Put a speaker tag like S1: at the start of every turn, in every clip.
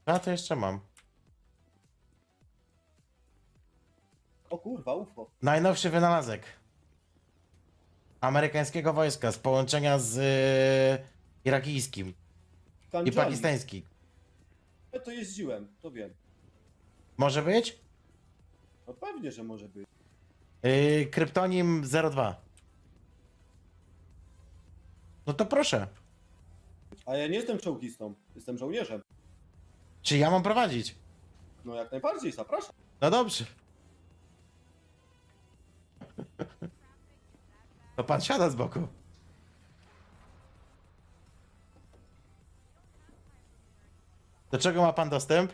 S1: A to jeszcze mam.
S2: O kurwa, UFO.
S1: Najnowszy wynalazek amerykańskiego wojska z połączenia z irakijskim i
S2: Kanjali.
S1: pakistańskim.
S2: Ja to jeździłem, to wiem.
S1: Może być?
S2: No pewnie, że może być.
S1: Kryptonim 02. No to proszę.
S2: A ja nie jestem czołgistą, jestem żołnierzem.
S1: Czy ja mam prowadzić?
S2: No jak najbardziej, zapraszam.
S1: No dobrze. To pan siada z boku. Do czego ma pan dostęp?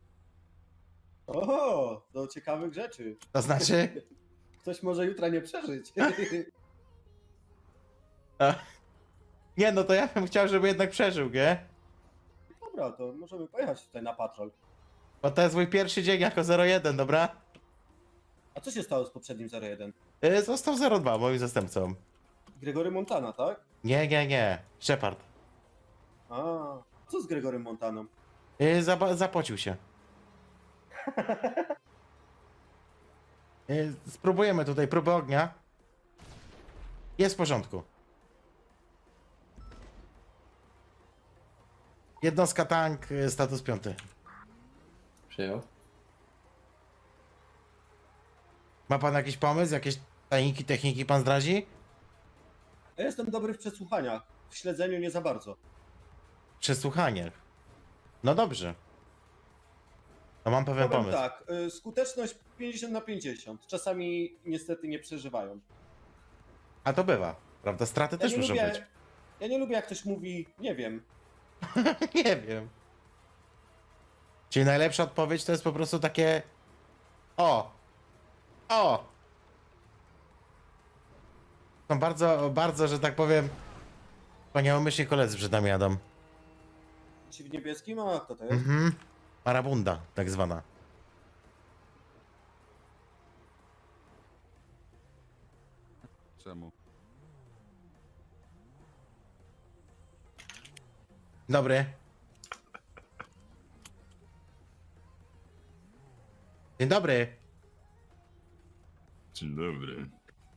S2: O, do ciekawych rzeczy.
S1: To znaczy?
S2: Ktoś może jutra nie przeżyć.
S1: Nie, no to ja bym chciał, żeby jednak przeżył, nie?
S2: Dobra, to możemy pojechać tutaj na patrol.
S1: Bo to jest mój pierwszy dzień jako 01, dobra?
S2: A co się stało z poprzednim 01?
S1: Został 02 moim zastępcą.
S2: Gregory Montana, tak?
S1: Nie. Shepard.
S2: A, co z Gregorym Montaną?
S1: Zapocił się. Spróbujemy tutaj próby ognia. Jest w porządku. Jednostka tank, status 5.
S3: Przyjął.
S1: Ma pan jakiś pomysł? Jakieś tajniki, techniki pan zdradzi?
S2: Ja jestem dobry w przesłuchaniach. W śledzeniu nie za bardzo.
S1: Przesłuchanie. No dobrze. To mam pewien
S2: Powiem
S1: pomysł.
S2: tak, skuteczność 50/50. Czasami niestety nie przeżywają.
S1: A to bywa, prawda? Straty też muszą być.
S2: Ja nie lubię jak ktoś mówi, nie wiem.
S1: Nie wiem. Czyli najlepsza odpowiedź to jest po prostu takie... O! Są bardzo, że tak powiem, wspaniałomyślni koledzy przed nami jadą.
S2: Ci w niebieskim, a kto to jest?
S1: Mhm. Marabunda, tak zwana.
S4: Czemu?
S1: Dobry. Dzień dobry.
S4: Dzień dobry.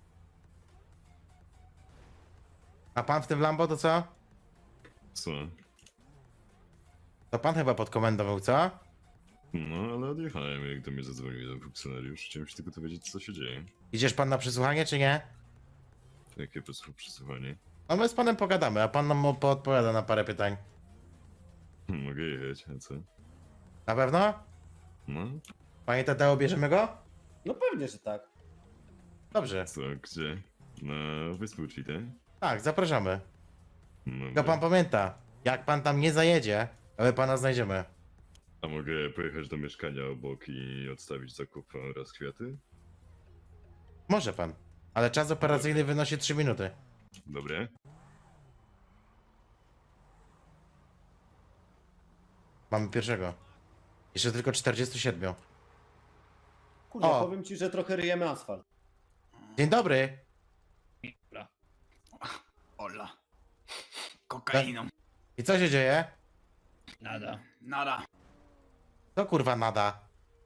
S1: A pan w tym Lambo to co?
S4: Co?
S1: To pan chyba pod komendą był, co?
S4: No, ale odjechałem, jak do mnie zadzwonił ten funkcjonariusz. Chciałem się tylko dowiedzieć, co się dzieje.
S1: Idziesz pan na przesłuchanie, czy nie?
S4: Jakie przesłuchanie?
S1: No my z panem pogadamy, a pan nam odpowiada na parę pytań.
S4: Mogę jechać, a co?
S1: Na pewno?
S4: No,
S1: Panie Tadeo, bierzemy go?
S2: No pewnie, że tak.
S1: Dobrze.
S4: co, gdzie? Na Vespucci, tak?
S1: Tak, zapraszamy.
S4: No,
S1: Tylko pan pamięta, jak pan tam nie zajedzie, to my pana znajdziemy.
S4: a mogę pojechać do mieszkania obok i odstawić zakupy oraz kwiaty?
S1: Może pan, ale czas operacyjny wynosi 3 minuty.
S4: Dobre?
S1: Mamy pierwszego. Jeszcze tylko 47.
S2: Kurde,
S1: O.
S2: powiem ci, że trochę ryjemy asfalt.
S1: Dzień dobry.
S5: Hola. Kokainą.
S1: I co się dzieje?
S5: Nada.
S1: To kurwa nada.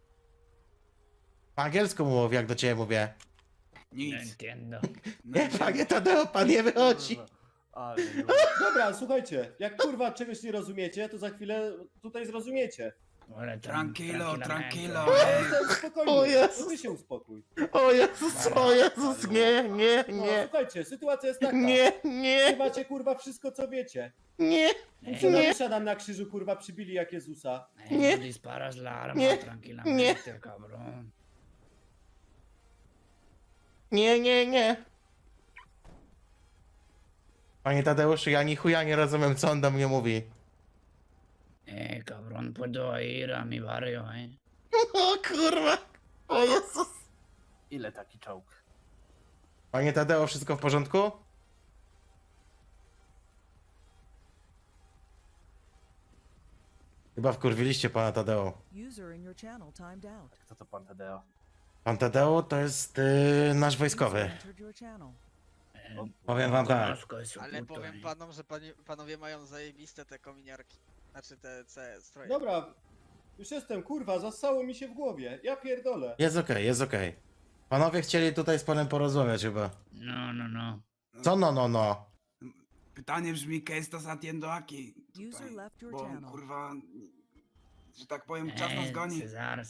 S1: Po angielsku mów, jak do ciebie mówię.
S5: Nic.
S1: Nie, panie Tadeo, pan nie wychodzi.
S2: Dobra, słuchajcie, jak kurwa czegoś nie rozumiecie, to za chwilę tutaj zrozumiecie.
S5: Tranquilo.
S2: Spokojnie,
S1: O Jezus.
S2: to ty się uspokój.
S1: O Jezus, nie,
S2: No, słuchajcie, sytuacja jest taka.
S1: nie,
S2: Wy macie kurwa wszystko, co wiecie.
S1: nie,
S2: Funkcjonariusza nam na krzyżu kurwa przybili jak Jezusa.
S1: Nie.
S5: Disparas la arma
S1: Nie.
S5: tranquilamente, cabrón.
S1: nie. Panie Tadeuszu, ja ni chuja nie rozumiem, co on do mnie mówi.
S5: Cabrón, puedo ir a mi barrio,
S1: O kurwa, o Jezus.
S6: Ile taki czołg?
S1: Panie Tadeo, wszystko w porządku? Chyba wkurwiliście pana Tadeo.
S7: User in your channel timed out.
S6: Kto to pan Tadeo?
S1: Pan Tadeo to jest nasz wojskowy.
S7: User entered your channel.
S1: Powiem wam tak.
S8: Ale powiem panom, że panowie mają zajebiste te kominiarki. Znaczy te stroje.
S2: Dobra, Już jestem, kurwa, zassało mi się w głowie. Ja pierdolę.
S1: Jest okej, jest okej. Panowie chcieli tutaj z panem porozmawiać chyba.
S5: No.
S1: Co no?
S8: Pytanie brzmi, ¿qué estás haciendo aquí?
S7: User
S8: Tutaj,
S7: left your
S8: bo
S7: channel.
S8: kurwa, że tak powiem, czas nas goni.
S5: Cezar.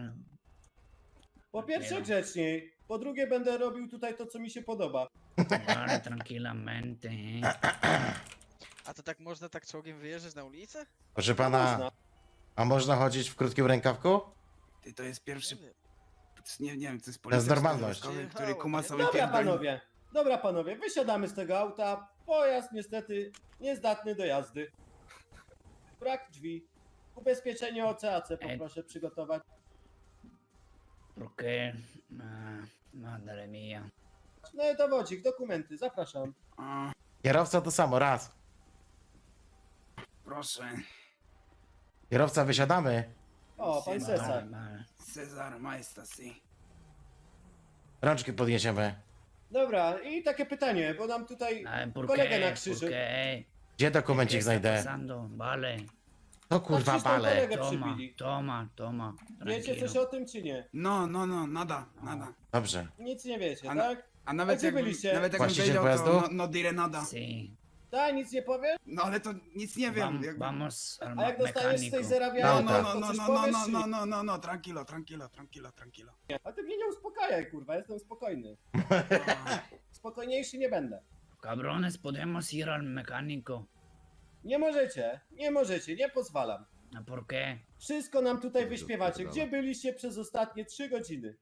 S2: Po pierwsze
S5: Nie.
S2: grzeczniej, po drugie będę robił tutaj to, co mi się podoba.
S5: Vale, tranquilamente.
S9: A to tak można tak czołgiem wyjeżdżać na ulicę?
S1: Proszę pana,
S2: Można.
S1: a można chodzić w krótkim rękawku?
S8: Ty, to jest pierwszy, nie wiem, to jest
S1: To jest
S8: policjant
S1: normalność.
S8: wojskowy, który kuma sobie
S2: Dobra
S8: pierdoli.
S2: panowie, dobra panowie, wysiadamy z tego auta. Pojazd niestety niezdatny do jazdy. Brak drzwi. Ubezpieczenie OCAC poproszę przygotować.
S5: ¿Por qué? Madre mía.
S2: No i dowodzik, dokumenty, zapraszam.
S8: A,
S1: Kierowca to samo, raz.
S8: proszę,
S1: Kierowca, wysiadamy.
S2: O, pan
S8: Siema.
S2: Cesar.
S5: Vale.
S8: Cezar Maestas, sí.
S1: Rączki podniesiemy.
S2: Dobra, i takie pytanie, bo nam tutaj
S5: ¿Por
S2: kolega na
S5: qué?
S2: krzyży.
S5: ¿Por qué?
S1: Gdzie
S5: ¿Qué
S1: dokumencik
S5: está
S1: znajdę?
S5: pasando? Vale.
S1: To kurwa
S2: Patrzysz, tam
S1: bale.
S2: kolegę
S5: Toma,
S2: przybili.
S5: toma.
S2: Wiecie coś
S5: Tranquilo.
S2: o tym czy nie?
S8: No, nada.
S1: Dobrze.
S2: Nic nie wiecie,
S8: A-
S2: tak?
S8: A nawet
S2: gdzie
S8: jakbym,
S2: byliście?
S8: nawet jakbym
S1: Właściciel
S8: wiedział,
S1: pojazdu?
S8: to no diré nada.
S5: Sí.
S2: Tak, nic nie powiesz?
S8: No ale to nic nie wiem. jak-
S5: Vamos al
S2: A jak dostaniesz z
S5: mecánico.
S2: tej
S8: No,
S2: zerabiania,
S1: No,
S2: to coś powiesz? czy-
S8: no, tranquilo.
S2: A ty mnie nie uspokajaj, kurwa, jestem spokojny. Spokojniejszy nie będę.
S5: Cabrones, podemos ir al mecánico.
S2: Nie możecie, nie pozwalam.
S5: ¿A ¿Por qué?
S2: Wszystko nam tutaj wyśpiewacie. Gdzie byliście przez ostatnie 3 godziny?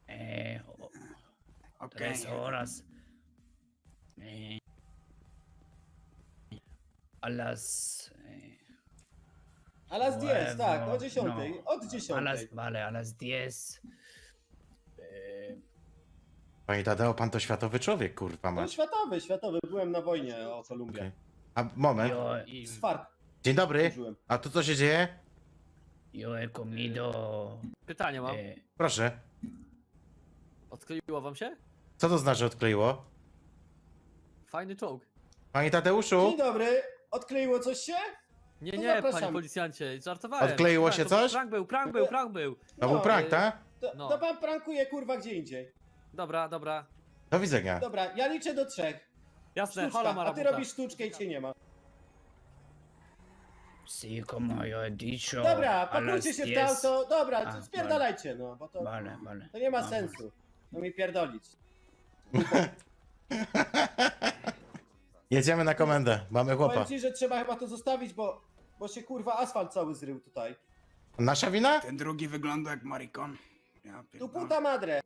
S8: Okej.
S5: 3 horas. A las...
S2: A las 10, tak, o 10.
S5: no,
S2: Od 10.
S5: a las 10.
S1: Panie Tadeo, pan to światowy człowiek, kurwa
S2: No
S1: mać.
S2: światowy, byłem na wojnie o Kolumbię.
S1: Okej. A moment.
S2: Z FARC
S1: Dzień dobry.
S2: służyłem.
S1: A tu co się dzieje?
S5: Yo he comido...
S10: Pytanie mam.
S1: Proszę.
S10: Odkleiło wam się?
S1: Co to znaczy odkleiło?
S10: Fajny czołg.
S1: Panie Tadeuszu?
S2: Dzień dobry, odkleiło coś się?
S10: Nie,
S2: To
S10: nie,
S2: zapraszam.
S10: panie policjancie, żartowałem.
S1: Odkleiło się
S10: To
S1: coś?
S10: Prank był.
S1: To był prank, tak?
S10: No.
S2: To pan prankuje, kurwa, gdzie indziej.
S10: Dobra.
S1: Do widzenia.
S2: Dobra, ja liczę do 3.
S10: Jasne, hola
S2: Sztuczka, a ty
S10: marabuta.
S2: robisz sztuczkę i cię nie ma.
S5: Sí, como yo he dicho.
S2: Dobra,
S5: a las
S2: pakujcie się w
S5: 10.
S2: to auto. Dobra,
S5: A,
S2: spierdalajcie, no, bo to,
S5: Vale.
S2: to nie ma
S5: Vamos.
S2: sensu. No mi pierdolić.
S1: Jedziemy na komendę. Mamy chłopa.
S2: Powiem ci, że trzeba chyba to zostawić, bo się kurwa asfalt cały zrył tutaj.
S1: Nasza wina?
S8: Ten drugi wygląda jak marikon. Ja
S2: Tu
S8: pierdolę.
S2: puta madre.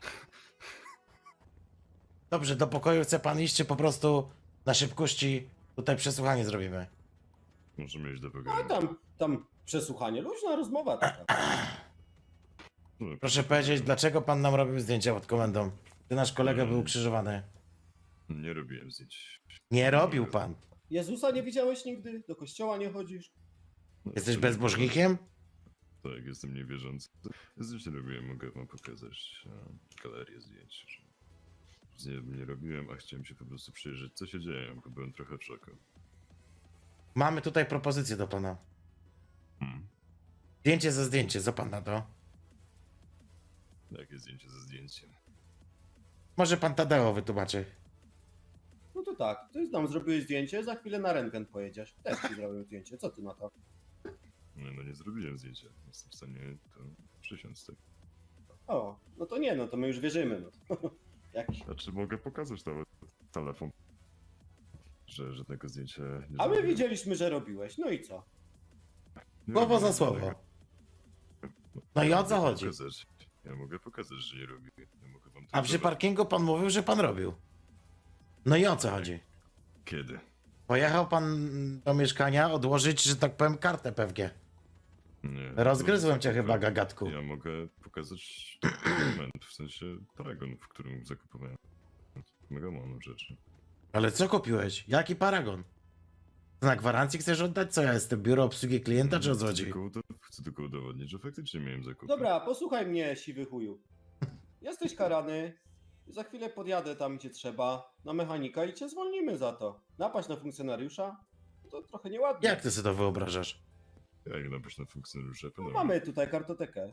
S1: Dobrze, do pokoju chce pan iść, czy po prostu na szybkości tutaj przesłuchanie zrobimy?
S4: Możemy iść do
S2: No
S4: pokoju.
S2: tam przesłuchanie, luźna rozmowa taka.
S4: No,
S1: Proszę powiedzieć, dlaczego pan nam robił zdjęcia pod komendą? Ty nasz kolega był ukrzyżowany.
S4: Nie robiłem zdjęć.
S1: Nie robił pan.
S2: Jezusa nie widziałeś nigdy? Do kościoła nie chodzisz?
S1: Jesteś bezbożnikiem?
S4: Tak, jestem niewierzący. Zdjęć nie robiłem, mogę wam pokazać galerię zdjęć. Nie robiłem, a chciałem się po prostu przyjrzeć, co się dzieje, bo byłem trochę w szoku.
S1: Mamy tutaj propozycję do pana.
S4: Hmm.
S1: Zdjęcie za zdjęcie, co pan na to?
S4: Jakie zdjęcie ze zdjęciem?
S1: Może pan Tadeo wytłumaczy.
S2: No to tak, ty nam zrobiłeś zdjęcie, za chwilę na rentgen pojedziesz. Też ci zrobię zdjęcie, co ty na to?
S4: No nie zrobiłem zdjęcia. Jestem w stanie to przysiąc, tak.
S2: O, no to nie, no to my już wierzymy. No. Jaki?
S4: Znaczy mogę pokazać nawet telefon, że żadnego zdjęcia nie
S2: A my
S4: zrobiłem.
S2: widzieliśmy, że robiłeś, no i co?
S4: Nie
S1: Słowo
S4: robiłem
S1: za słowo.
S4: żadnego.
S1: No i o co
S4: Mogę
S1: chodzi?
S4: pokazać. Ja mogę pokazać, że nie robię. Ja mogę wam
S1: A
S4: to
S1: przy
S4: zobaczyć.
S1: parkingu pan mówił, że pan robił. No i o co chodzi?
S4: Kiedy?
S1: Pojechał pan do mieszkania odłożyć, że tak powiem, kartę PFG.
S4: Nie.
S1: Rozgryzłem cię
S4: to-
S1: chyba, gagatku.
S4: Ja mogę pokazać dokument, w sensie paragon, w którym zakupowałem. Mega mało rzeczy.
S1: Ale co kupiłeś? Jaki paragon? Na gwarancji chcesz oddać? Co ja jestem? Biuro obsługi klienta, czy o co chodzi?
S4: Chcę tylko udowodnić, że faktycznie miałem zakupy.
S2: Dobra, posłuchaj mnie, siwy chuju. Jesteś karany, za chwilę podjadę tam, gdzie trzeba, na mechanika i cię zwolnimy za to. Napaść na funkcjonariusza? To trochę nieładnie.
S1: Jak ty sobie to wyobrażasz?
S4: Jak napaść na funkcjonariusza?
S2: No,
S4: Panowie?
S2: mamy tutaj kartotekę.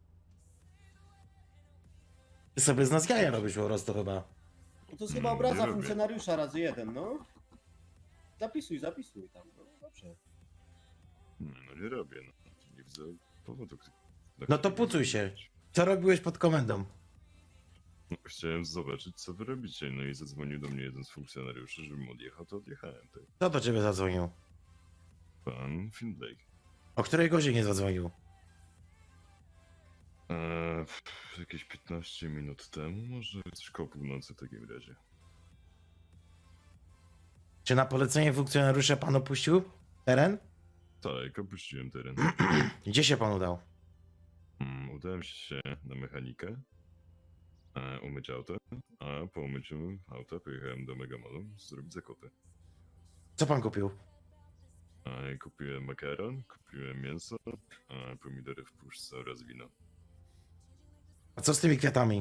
S1: Ty sobie z nas jaja robisz po prostu chyba.
S2: No to jest chyba
S4: Nie
S2: obraza
S4: robię.
S2: funkcjonariusza razy jeden, no. Zapisuj tam, no dobrze.
S4: Nie, no nie robię, no. Nie widzę powodu.
S1: No to pucuj się. Co robiłeś pod komendą?
S4: No, chciałem zobaczyć, co wy robicie, no i zadzwonił do mnie jeden z funkcjonariuszy, żebym odjechał, to odjechałem, tak.
S1: Kto do ciebie zadzwonił?
S4: Pan Findlake.
S1: O której godzinie zadzwonił?
S4: Jakieś 15 minut temu, może coś koło północy w takim razie.
S1: Czy na polecenie funkcjonariusza pan opuścił teren?
S4: Tak, opuściłem teren.
S1: Gdzie się pan udał?
S4: Udałem się na mechanikę, umyć auto, a po umyciu auta pojechałem do Megamolu zrobić zakupy.
S1: Co pan kupił?
S4: Kupiłem makaron, kupiłem mięso, pomidory w puszce oraz wino.
S1: A co z tymi kwiatami?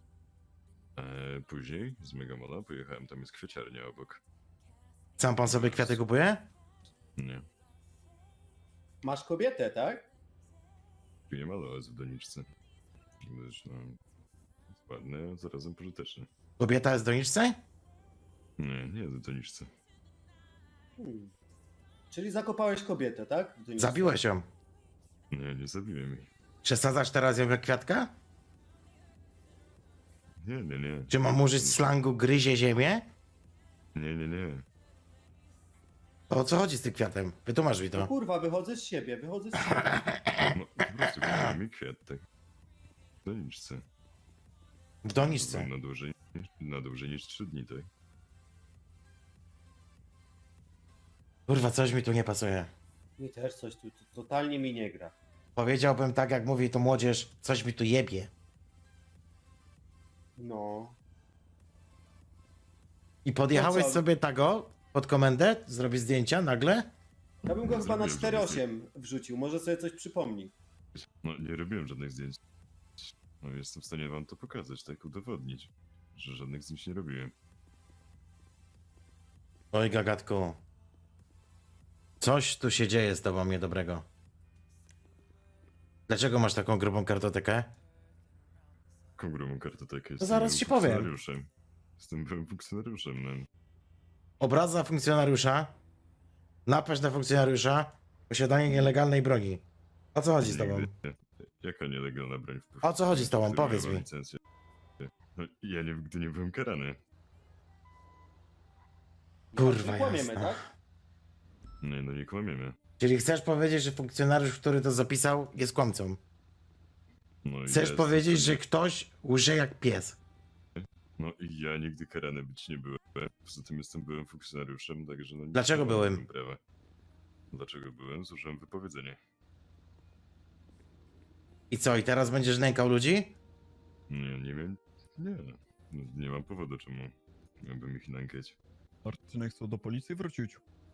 S4: Później z Megamola pojechałem, tam jest kwieciarnia obok.
S1: Sam pan sobie kwiaty kupuje?
S4: Nie,
S2: Masz kobietę, tak?
S4: nie malo jest w doniczce. Zresztą ładny, a zarazem pożyteczny.
S1: Kobieta jest w doniczce?
S4: Nie jest w doniczce.
S2: Czyli zakopałeś kobietę, tak? W doniczce.
S1: Zabiłeś ją.
S4: Nie zabiłem jej.
S1: Przesadzasz teraz ją jak kwiatka?
S4: Nie.
S1: Czy mam użyć slangu gryzie ziemię?
S4: Nie.
S1: To o co chodzi z tym kwiatem? Wytłumacz mi
S2: No
S1: to.
S2: kurwa, wychodzę z siebie.
S4: No po prostu kupiłem mi kwiat, tak. W doniczce.
S1: W doniczce.
S4: Na dłużej niż 3 dni, tak?
S1: Kurwa, coś mi tu nie pasuje.
S2: Mi też coś tu totalnie mi nie gra.
S1: Powiedziałbym tak, jak mówi to młodzież, coś mi tu jebie.
S2: No.
S1: I podjechałeś
S2: No co?
S1: sobie tego pod komendę, zrobić zdjęcia nagle?
S2: Ja bym go chyba na
S4: Zrobiłem,
S2: 4.8 wrzucił, może sobie coś przypomni.
S4: No nie robiłem żadnych zdjęć. No jestem w stanie wam to pokazać, tak udowodnić, że żadnych zdjęć nie robiłem.
S1: Oj, gagatku. Coś tu się dzieje z tobą niedobrego. Dlaczego masz taką grubą kartotekę?
S4: Jaką grubą kartotekę?
S1: To zaraz
S4: byłym
S1: ci powiem.
S4: funkcjonariuszem. Jestem byłym funkcjonariuszem, no.
S1: Obraza funkcjonariusza, napaść na funkcjonariusza, posiadanie nielegalnej broni. O co chodzi z tobą?
S4: Nigdy. Jaka nielegalna broń w
S1: O co chodzi z tobą?
S4: Który
S1: Powiedz
S4: miałem
S1: mi.
S4: licencję. No ja nigdy nie byłem karany.
S1: Kurwa
S2: Nie kłamiemy,
S1: jasna.
S2: tak?
S4: Nie, no nie kłamiemy.
S1: Czyli chcesz powiedzieć, że funkcjonariusz, który to zapisał, jest kłamcą?
S4: No, i
S1: Chcesz
S4: ja jestem
S1: powiedzieć,
S4: w
S1: że
S4: stanie-
S1: ktoś łże jak pies?
S4: No i ja nigdy karany być nie byłem. Poza tym jestem byłym funkcjonariuszem, także no nie
S1: Dlaczego
S4: mam
S1: byłym?
S4: prawa. Dlaczego byłem? Złożyłem wypowiedzenie.
S1: I co, i teraz będziesz nękał ludzi?
S4: Nie wiem. Nie. No, nie mam powodu, czemu miałbym ich nękać.
S11: Martynek chce do policji wrócić.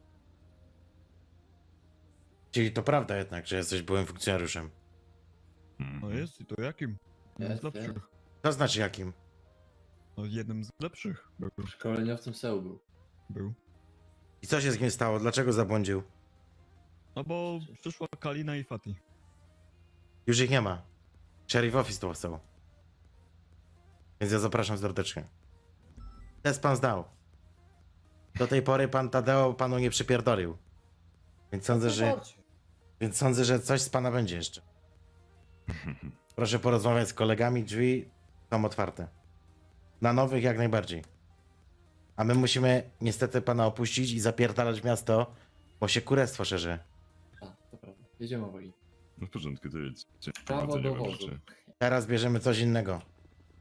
S1: Czyli to prawda jednak, że jesteś byłym funkcjonariuszem.
S11: No jest i to jakim? Jednym z
S3: Jest,
S11: lepszych.
S1: To znaczy jakim?
S11: No jednym z lepszych był.
S3: Szkoleniowcem SEU był.
S11: był.
S1: I co się z nim stało? Dlaczego zabłądził?
S11: No bo przyszła Kalina i Fati.
S1: Już ich nie ma. Sheriff Office to chcą. Więc ja zapraszam serdecznie. Test pan zdał. Do tej pory pan Tadeo panu nie przypierdolił. Więc sądzę, że coś z pana będzie jeszcze. Proszę porozmawiać z kolegami, drzwi są otwarte. Na nowych jak najbardziej. A my musimy niestety pana opuścić i zapierdalać w miasto, bo się kurestwo szerzy.
S3: A, to prawda. Jedziemy obaj.
S4: No w porządku, to jedźcie.
S3: Prawo
S4: Powodzenia
S3: do
S4: wam
S3: wozu.
S4: życzę.
S1: Teraz bierzemy coś innego.